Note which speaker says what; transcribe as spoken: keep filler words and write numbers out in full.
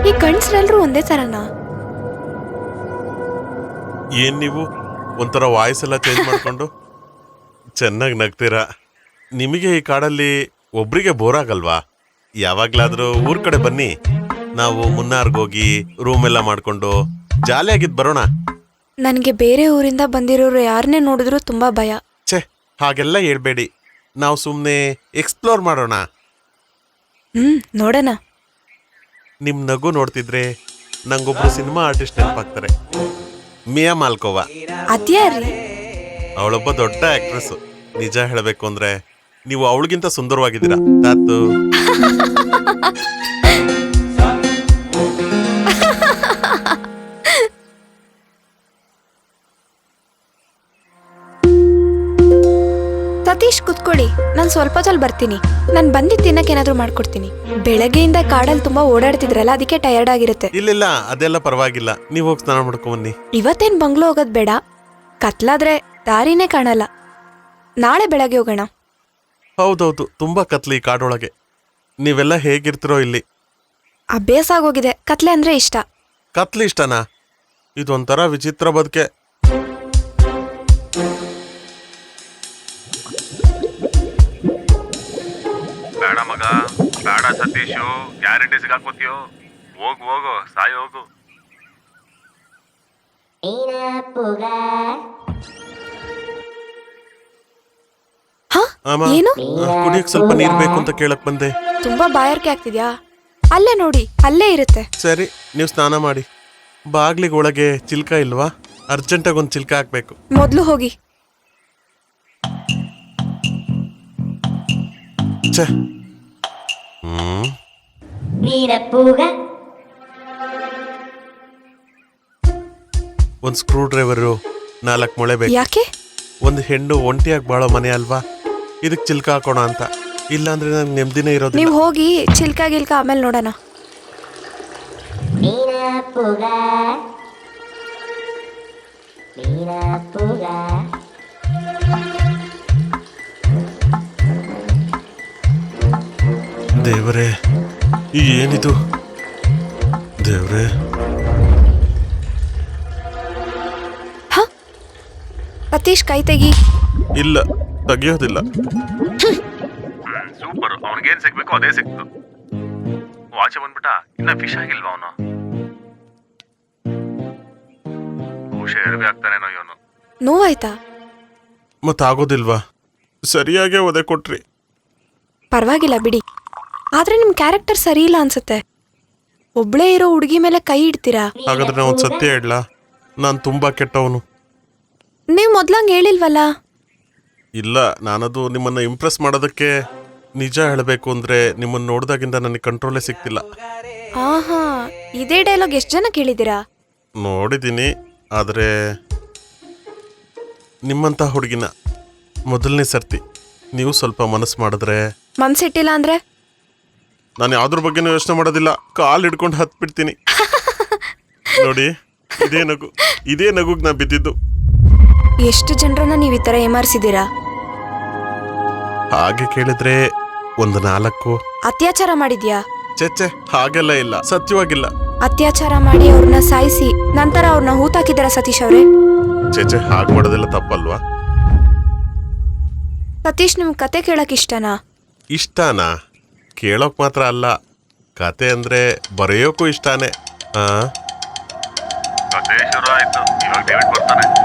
Speaker 1: ಈ ಗಂಡ್ಸ್ರೆಲ್ರೂ ಒಂದೇ ತರನಾ?
Speaker 2: ಏನ್ ನೀವು ಒಂಥರ ವಾಯ್ಸ್ ಎಲ್ಲ ಚೇಂಜ್ ಮಾಡ್ಕೊಂಡು ಚೆನ್ನಾಗಿ ನಗ್ತೀರಾ. ನಿಮಗೆ ಈ ಕಾಡಲ್ಲಿ ಒಬ್ರಿಗೆ ಬೋರ್ ಆಗಲ್ವಾ? ಯಾವಾಗ್ಲಾದ್ರೂ ಊರ್ ಕಡೆ ಬನ್ನಿ, ನಾವು ಮುನ್ನಾರ್ಗೋಗಿ ರೂಮ್ ಎಲ್ಲ ಮಾಡ್ಕೊಂಡು ಜಾಲಿಯಾಗಿದ್ ಬರೋಣ.
Speaker 1: ನನಗೆ ಬೇರೆ ಊರಿಂದ ಬಂದಿರೋರು ಯಾರನ್ನೇ ನೋಡಿದ್ರು ತುಂಬಾ ಭಯ.
Speaker 2: ಛೇ, ಹಾಗೆಲ್ಲ ಹೇಳ್ಬೇಡಿ. ನಾವು ಸುಮ್ಮನೆ ಎಕ್ಸ್ಪ್ಲೋರ್ ಮಾಡೋಣ.
Speaker 1: ಹ್ಮ್, ನೋಡೋಣ.
Speaker 2: ನಿಮ್ ನಗು ನೋಡ್ತಿದ್ರೆ ನಂಗೊಬ್ರು ಸಿನಿಮಾ ಆರ್ಟಿಸ್ಟ್ ನೆನಪಾಗ್ತಾರೆ, ಮಿಯಾ ಮಾಲ್ಕೋವಾ.
Speaker 1: ಅದ್ಯಾರ್ರಿ?
Speaker 2: ಅವಳೊಬ್ಬ ದೊಡ್ಡ ಆಕ್ಟ್ರೆಸ್. ನಿಜ ಹೇಳಬೇಕು ಅಂದ್ರೆ ನೀವು ಅವಳಿಗಿಂತ ಸುಂದರವಾಗಿದ್ದೀರಾ. ತಾತು
Speaker 1: ಸತೀಶ್ ಕುತ್ಕೊಳ್ಳಿ, ನಾನು ಸ್ವಲ್ಪ ಹೊತ್ತಲ್ಲಿ ಬರ್ತೀನಿ. ನಾನು ಬಂದಿದ್ದು ತಿನ್ನಕ್ಕೆ ಏನಾದರೂ ಮಾಡ್ಕೊಡ್ತೀನಿ. ಬೆಳಗ್ಗೆಯಿಂದ ಕಾಡಲ್ಲಿ ತುಂಬಾ ಓಡಾಡ್ತಿದ್ರಲ್ಲ, ಅದಕ್ಕೆ ಟಯರ್ಡ್ ಆಗಿರುತ್ತೆ.
Speaker 2: ಇಲ್ಲ ಅದೆಲ್ಲ ಪರವಾಗಿಲ್ಲ, ನೀವು ಹೋಗಿ ಸ್ನಾನ ಮಾಡ್ಕೊಂಬನ್ನಿ.
Speaker 1: ಇವತ್ತೇನು ಬಂಗ್ಲೋ ಹೋಗೋದು ಬೇಡ, ಕತ್ಲಾದ್ರೆ ದಾರಿನೇ ಕಾಣಲ್ಲ. ನಾಳೆ ಬೆಳಗ್ಗೆ ಹೋಗೋಣ.
Speaker 2: ಹೌದೌದು, ತುಂಬಾ ಕತ್ಲಿ ಈ ಕಾಡೊಳಗೆ. ನೀವೆಲ್ಲ ಹೇಗಿರ್ತಿರೋ ಇಲ್ಲಿ?
Speaker 1: ಅಭ್ಯಾಸ ಆಗೋಗಿದೆ. ಕತ್ಲೆ ಅಂದ್ರೆ ಇಷ್ಟ.
Speaker 2: ಕತ್ಲಿ ಇಷ್ಟನಾ? ಇದೊಂಥರ ವಿಚಿತ್ರ ಬದುಕೆ.
Speaker 3: ಬೇಡ ಮಗ, ಬೇಡ ಸತೀಶು, ಗ್ಯಾರಂಟಿ ಸಿಗಾಕೋತೀಯೋ. ಹೋಗು ಹೋಗು, ಸಾಯಿ ಹೋಗು.
Speaker 2: ಆಮ,
Speaker 1: ಏನು?
Speaker 2: ಕುಡಿಯಕ್ ಸ್ವಲ್ಪ ನೀರ್ ಬೇಕು ಅಂತ ಕೇಳಕ್ ಬಂದೆ.
Speaker 1: ತುಂಬಾ ಬಾಯಾರಿಕೆ ಆಗ್ತಿದ್ಯಾ? ಅಲ್ಲೇ ನೋಡಿ, ಅಲ್ಲೇ ಇರುತ್ತೆ.
Speaker 2: ಸರಿ, ನೀವು ಸ್ನಾನ ಮಾಡಿ. ಬಾಗ್ಲಿಗೆ ಒಳಗೆ ಚಿಲ್ಕ ಇಲ್ವಾ? ಅರ್ಜೆಂಟಾಗಿ ಒಂದು ಚಿಲ್ಕ ಹಾಕ್ಬೇಕು.
Speaker 1: ಮೊದ್ಲು ಹೋಗಿ.
Speaker 2: ಛೇ, ಹ್ಮ್ ಒಂದ್ ಸ್ಕ್ರೂ ಡ್ರೈವರು, ನಾಲ್ಕು ಮೊಳೆ ಬೇಕು.
Speaker 1: ಯಾಕೆ?
Speaker 2: ಒಂದು ಹೆಣ್ಣು ಒಂಟಿಯಾಗಿ ಬಾಳೋ ಮನೆ ಅಲ್ವಾ, ಇದಕ್ ಚಿಲ್ಕ ಹಾಕೋಣ ಅಂತ. ಇಲ್ಲಾಂದ್ರೆ ನಂಗೆ ನೆಮ್ಮದಿನೇ ಇರೋದಿಲ್ಲ.
Speaker 1: ನೀವು ಹೋಗಿ, ಚಿಲ್ಕ ಗಿಲ್ಕ ಆಮೇಲೆ ನೋಡೋಣ.
Speaker 2: ದೇವರೇ, ಈ ಏನಿದು? ದೇವ್ರೇ,
Speaker 1: ಸತೀಶ್, ಕೈ ತೆಗಿ.
Speaker 2: ಇಲ್ಲ, ತೆಗಿಯೋದಿಲ್ಲ.
Speaker 3: ಸೂಪರ್, ಅವನಿಗೇನ್ ಸಿಗ್ಬೇಕು ಅದೇ ಸಿಕ್ತು. ವಾಚ ಬಂದ್ಬಿಟ್ಟ, ಇನ್ನ ಫಿಶ್ ಆಗಿಲ್ವಾ ಅವನು? ಬಹುಶಃ ಎಡವೆ ಆಗ್ತಾನೇನೋ ಇವನು.
Speaker 1: ನೋವಾಯ್ತಾ?
Speaker 2: ಮತ್ತಾಗೋದಿಲ್ವಾ? ಸರಿಯಾಗೇ ಒದೆ ಕೊಟ್ರಿ.
Speaker 1: ಪರವಾಗಿಲ್ಲ ಬಿಡಿ. ಆದ್ರೆ ನಿಮ್ ಕ್ಯಾರೆಕ್ಟರ್ ಸರಿ ಇಲ್ಲ ಅನ್ಸುತ್ತೆ. ಒಬ್ಳೇ ಇರೋ ಹುಡುಗಿ ಮೇಲೆ ಕೈ ಇಡ್ತೀರಾ?
Speaker 2: ಹಾಗಾದ್ರೆ ನಾ ಒಂದು ಸತ್ಯ ಹೇಳಲಾ? ನಾನು ತುಂಬಾ ಕೆಟ್ಟವನು.
Speaker 1: ನೀವ್ ಮೊದ್ಲಂಗ್ ಹೇಳಿಲ್ವಲ್ಲ?
Speaker 2: ಇಲ್ಲ, ನಾನದು ನಿಮ್ಮನ್ನ ಇಂಪ್ರೆಸ್ ಮಾಡೋದಕ್ಕೆ. ನಿಜ ಹೇಳಬೇಕು ಅಂದ್ರೆ ನಿಮ್ಮನ್ನ ನೋಡ್ದಾಗಿಂದ ನನಗೆ ಕಂಟ್ರೋಲೇ ಸಿಗ್ತಿಲ್ಲ.
Speaker 1: ಆಹಾ, ಇದೇ ಡೈಲಾಗ್ ಎಷ್ಟು ಜನ ಕೇಳಿದ್ದೀರಾ?
Speaker 2: ನೋಡಿದ್ದೀನಿ, ಆದರೆ ನಿಮ್ಮಂತ ಹುಡುಗಿನ ಮೊದಲನೇ ಸರ್ತಿ. ನೀವು ಸ್ವಲ್ಪ ಮನಸ್ಸು ಮಾಡಿದ್ರೆ.
Speaker 1: ಮನ್ಸಿಟ್ಟಿಲ್ಲ ಅಂದ್ರೆ?
Speaker 2: ನಾನು ಯಾವ್ದ್ರ ಬಗ್ಗೆನೂ ಯೋಚನೆ ಮಾಡೋದಿಲ್ಲ, ಕಾಲು ಹಿಡ್ಕೊಂಡು ಹತ್ ಬಿಡ್ತೀನಿ. ನೋಡಿ, ಇದೇ ನಗು, ಇದೇ ನಗುಗ್ ನಾ ಬಿದ್ದಿದ್ದು.
Speaker 1: ಎಷ್ಟು ಜನರನ್ನ ನೀವ್ ಈ ತರ ಏಮಾರಿಸಿದೀರಾ?
Speaker 2: ಹಾಗೆ ಕೇಳಿದ್ರೆ ಒಂದು ನಾಲ್ಕು.
Speaker 1: ಅತ್ಯಾಚಾರ ಮಾಡಿದ್ಯಾ?
Speaker 2: ಚೆಚ್ಚೆ, ಹಾಗೆಲ್ಲ ಇಲ್ಲ, ಸತ್ಯವಾಗಿಲ್ಲ.
Speaker 1: ಅತ್ಯಾಚಾರ ಮಾಡಿ ಅವ್ರನ್ನ ಸಾಯಿಸಿ ನಂತರ ಅವ್ರನ್ನ ಹೂತಾಕಿದಾರ ಸತೀಶ್ ಅವ್ರೆ?
Speaker 2: ಚೆಚ್ಚೆ, ಹಾಗೆ ಮಾಡೋದೆಲ್ಲ ತಪ್ಪಲ್ವಾ?
Speaker 1: ಸತೀಶ್, ನಿಮ್ ಕತೆ ಕೇಳಕ್ ಇಷ್ಟನಾ?
Speaker 2: ಇಷ್ಟನಾ? ಕೇಳೋಕ್ ಮಾತ್ರ ಅಲ್ಲ, ಕತೆ ಅಂದ್ರೆ ಬರೆಯೋಕ್ಕೂ ಇಷ್ಟಾನೆ. ಆ
Speaker 3: ಕತೆ ಶುರು ಆಯ್ತು, ಇವಾಗ ಡೇವಿಡ್ ಬರ್ತಾನೆ.